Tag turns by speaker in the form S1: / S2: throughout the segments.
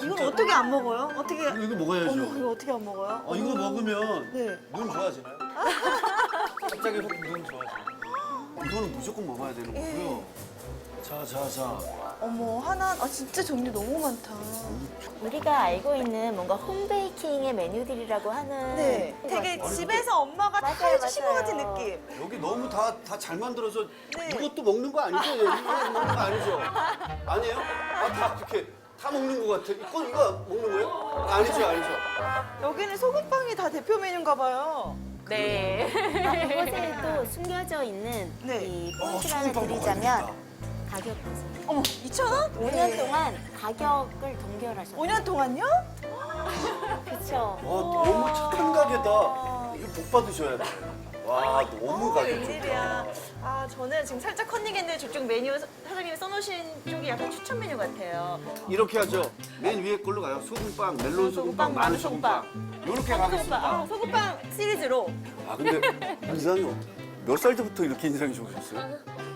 S1: 이걸 어떻게 안 먹어요? 어떻게?
S2: 이거 먹어야죠.
S1: 어머, 이거 어떻게 안 먹어요?
S2: 이거 먹으면
S1: 네.
S2: 눈 좋아지나요? 갑자기 눈 좋아지나요? 이거는 무조건 먹어야 되는 거고요. 자.
S1: 어머, 하나, 진짜 종류 너무 많다.
S3: 우리가 알고 있는 뭔가 홈베이킹의 메뉴들이라고 하는
S1: 네. 되게 집에서 엄마가 다
S3: 맞아요,
S1: 해주신 것
S3: 맞아요.
S1: 같은 느낌.
S2: 여기 너무 다 잘 만들어서
S1: 네.
S2: 이것도 먹는 거 아니죠? 이거 먹는 거 아니죠? 아니에요? 다 이렇게 다 먹는 거 같아. 이거 먹는 거예요? 아니죠.
S1: 여기는 소금빵이 다 대표 메뉴인가 봐요.
S3: 네. 이곳에 또 숨겨져 있는
S1: 네.
S3: 이 포인트를
S2: 소금빵
S3: 드리자면 가격 보세요.
S1: 어머, 2,000원?
S3: 5년 동안 가격을 동결하셨어요.
S1: 5년 동안요?
S3: 그렇죠.
S2: 와 너무 착한 가게다. 이거 복 받으셔야 돼. 와 너무 가게 좋다.
S1: 웬일이야. 저는 지금 살짝 컨닝했는데 저쪽 메뉴 사장님이 써놓으신 쪽이 약간 추천 메뉴 같아요.
S2: 이렇게 하죠. 맨 위에 걸로 가요. 소금빵, 멜론 소금빵, 마늘 소금빵. 이렇게 가겠습니다.
S1: 소금빵 시리즈로.
S2: 근데 인상이 몇 살 때부터 이렇게 인상이 좋으셨어요?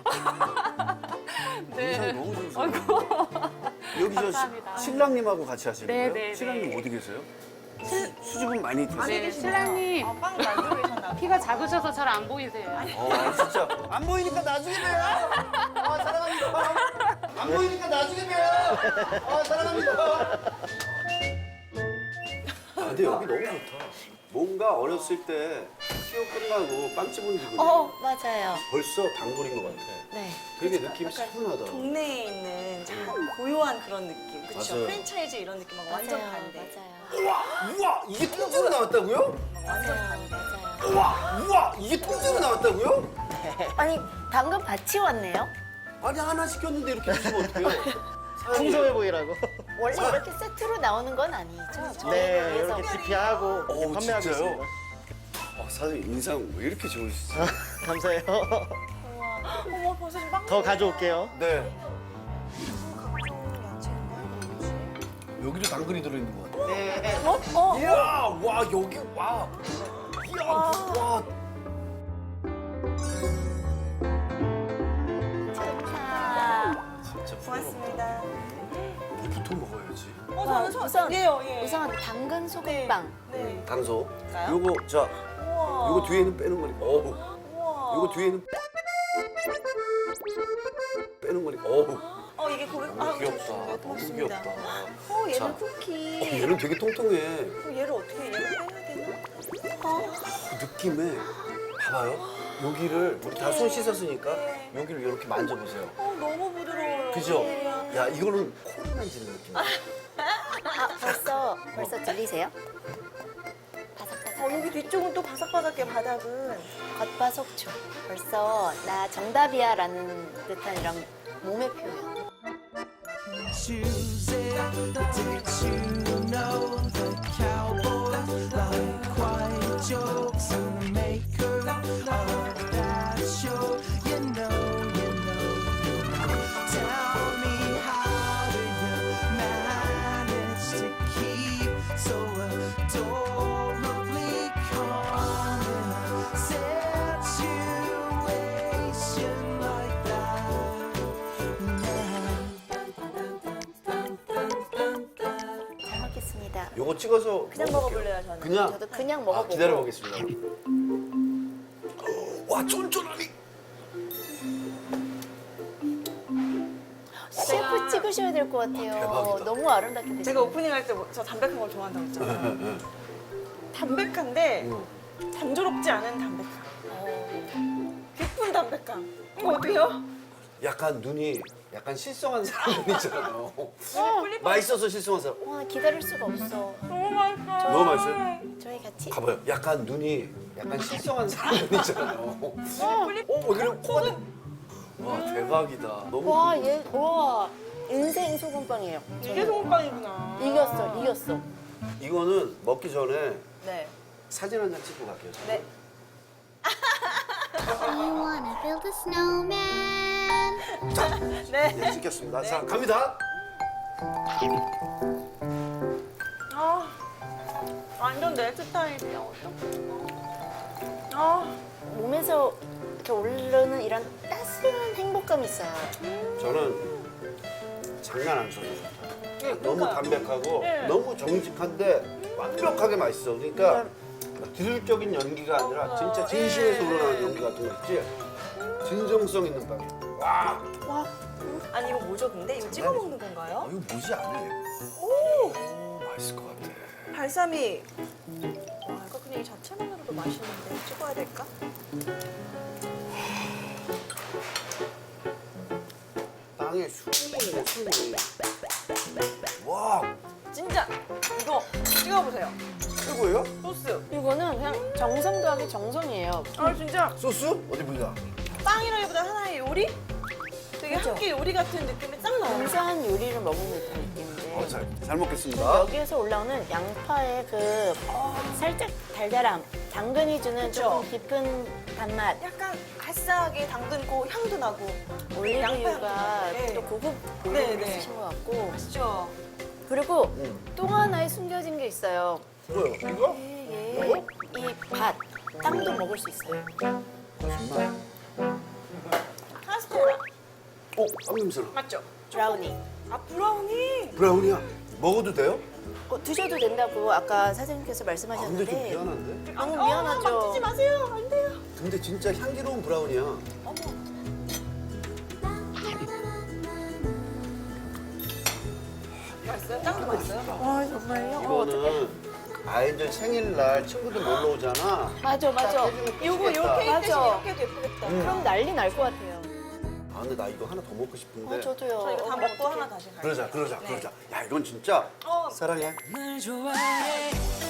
S2: 인상이 너무 좋으세요. 여기 신랑님하고 같이 하시는 거예요?
S4: 네.
S2: 신랑님 어디 계세요? 수줍음 많이 드세요?
S4: 네, 신랑님
S1: 빵 만들고 계셨나 봐.
S4: 키가 작으셔서 잘 안 보이세요.
S2: 진짜 안 보이니까 나중에 봬요. 사랑합니다. 안 보이니까 나중에 봬요. 사랑합니다. 근데 여기 너무 좋다. 뭔가 어렸을 때 키워 끝나고 빵집 온 기분이
S3: 맞아요.
S2: 벌써 단골인 것 같아.
S3: 네.
S2: 되게 느낌이 차분하다.
S1: 동네에 있는 참 고요한 그런 느낌. 그렇죠?
S2: 맞아요.
S1: 프랜차이즈 이런 느낌하고 완전
S3: 맞아요.
S1: 반대.
S3: 맞아요.
S2: 우와 이게 통째로 나왔다고요?
S1: 완전
S3: 맞아요.
S1: 반대.
S3: 맞아요.
S2: 우와 이게 통째로 나왔다고요?
S3: 아니, 방금 밭이 왔네요?
S2: 아니 하나 시켰는데 이렇게 주시면 어떡해요?
S5: 풍성해 보이라고.
S3: 원래 이렇게 세트로 나오는 건 아니죠? 저희를
S5: 네,
S3: 위해서.
S5: 이렇게 DP하고
S2: 어우,
S5: 판매하고
S2: 진짜요?
S5: 있습니다.
S2: 사장님 인상 왜 이렇게 좋으시죠?
S5: 감사해요.
S1: 우와. 어머, 벌써 지금 빵.
S5: 더 가져올게요.
S2: 네.
S1: 야채인가?
S2: 여기도 당근이 들어있는 것 같아요.
S5: 네.
S2: 이야, 와 여기 와. 이야, 와.
S3: 좋다.
S2: 진짜
S1: 고맙습니다.
S2: 이부터 먹어야지.
S3: 우선,
S1: 예.
S3: 우선 당근 소금빵.
S1: 네.
S2: 단소.
S1: 볼까요?
S2: 요거 자,
S1: 우와.
S2: 요거 뒤에는 빼는 거니까. 어우.
S1: 우와.
S2: 요거 뒤에는 빼는 거니까. 어우.
S1: 이게 고기.
S2: 너무 귀엽다.
S1: 좋습니다.
S2: 너무
S1: 고맙습니다.
S2: 귀엽다.
S1: 얘는
S2: 자.
S1: 쿠키.
S2: 얘는 되게 통통해.
S1: 얘를 어떻게 얘를 빼야 되나?
S2: 그 느낌에 봐봐요. 여기를 우리 다 손 씻었으니까
S1: 네.
S2: 여기를 이렇게 만져보세요.
S1: 너무 부드러워요.
S2: 그죠?
S1: 네.
S2: 야 이거는 코를 만지는 느낌.
S3: 벌써 들리세요? 바삭바삭.
S1: 여기 뒤쪽은 또 바삭바삭해 바닥은.
S3: 겉바속촉. 벌써 나 정답이야라는 듯한 이런 몸의 표현.
S6: choose it. Did you know the cowboy like quiet jokes and the maker of that show? You know. Tell me how do you manage to keep so adorably calm in a situation like that?
S3: 잘 먹겠습니다.
S2: 요거 찍어서
S1: 그냥 먹어볼래요 저는.
S2: 그냥.
S3: 저도 그냥 먹어보고.
S2: 기다려 보겠습니다. 와 쫀쫀하니.
S3: 셰프 찍으셔야 될 것 같아요.
S2: 대박이다.
S3: 너무 아름답게 드시네요.
S1: 제가 오프닝 할 때 저 담백한 걸 좋아한다고 했잖아요. 담백한데 단조롭지 않은 담백함. 깊은 담백함. 이거 어때요?
S2: 약간 눈이 약간 실성한 사람 있잖아요.
S1: 플립
S2: 맛있어서 실성한 사람.
S3: 와, 기다릴 수가 없어.
S1: 너무 맛있어요.
S2: 너무 맛있어요?
S3: 저희 같이.
S2: 가봐요. 약간 눈이 약간 실성한 사람 있잖아요. 그래 코가. 와 대박이다. 너무.
S3: 와, 와, 인생 소금빵이에요.
S1: 이게 소금빵이구나.
S3: 이겼어.
S2: 이거는 먹기 전에
S1: 네.
S2: 사진 한 장 찍고 갈게요.
S1: 네.
S7: I wanna build a snowman.
S2: 네, 찍겠습니다. 자, 갑니다.
S1: 완전 내 스타일이야.
S3: 몸에서 이렇게 오르는 이런 따스한 행복감이 있어요.
S2: 저는 장난 안 쳐서 좋다. 너무 담백하고
S1: 네.
S2: 너무 정직한데 완벽하게 맛있어. 그러니까 기술적인 연기가 아니라 진짜 진심에서 우러나는 연기 같은 거 있지? 진정성 있는 빵이야. 와!
S1: 아니 이거 뭐죠 근데? 이거 찍어 먹는 건가요?
S2: 이거 뭐지 않네.
S1: 오!
S2: 맛있을 것 같아.
S1: 발사믹. 와 이거 그냥 이 자체만으로도 맛있는데 찍어야 될까?
S2: 빵에 숨이 있네, 숨이. 와!
S1: 진짜 이거 찍어보세요.
S2: 최고예요?
S1: 소스.
S3: 이거는 그냥 정성 더하기 정성이에요.
S1: 아 진짜
S2: 소스? 어디 보자.
S1: 빵이라기보다 하나의 요리? 되게
S3: 그죠?
S1: 한 끼 요리 같은 느낌이 딱 나요.
S3: 근사한 요리를 먹는 듯한 느낌인데.
S2: 잘 먹겠습니다.
S3: 여기에서 올라오는 양파의 그 살짝 달달함, 당근이 주는 조금 깊은 단맛,
S1: 약간 알싸하게 당근 고 향도 나고
S3: 올리브유가
S1: 양파 향도 나고.
S3: 또 고급
S1: 네,
S3: 올리브를
S1: 네.
S3: 쓰신 것 같고.
S1: 맛있죠?
S3: 그리고 또 하나의 숨겨진 게 있어요.
S2: 뭐요? 이거?
S3: 이 밭, 땅도 먹을 수 있어요.
S2: 거짓말.
S1: 카스테라
S2: 빵 냄새나.
S1: 맞죠?
S3: 브라우니.
S1: 아 브라우니.
S2: 브라운이야. 먹어도 돼요?
S3: 드셔도 된다고 아까 사장님께서
S2: 아, 근데 좀
S3: 말씀하셨는데
S2: 미안한데?
S3: 너무 미안하죠.
S1: 만지지 마세요. 안 돼요.
S2: 근데 진짜 향기로운 브라운이야.
S1: 어머. 맛있어요? 짱도 맛있어요?
S3: 아 정말요?
S2: 이거는 아이들 생일날 친구들 놀러 오잖아.
S3: 맞아 맞아.
S1: 요거 요 케이크 대신
S3: 맞아.
S1: 이렇게 해도 예쁘겠다.
S3: 그럼 난리 날 것 같아요.
S2: 아 근데 나 이거 하나 더 먹고 싶은데.
S3: 저도요.
S1: 저 이거 다 먹고 하나 다시 갈게요.
S2: 그러자. 야 이건 진짜
S1: 어.
S2: 사랑해.
S6: 널 좋아해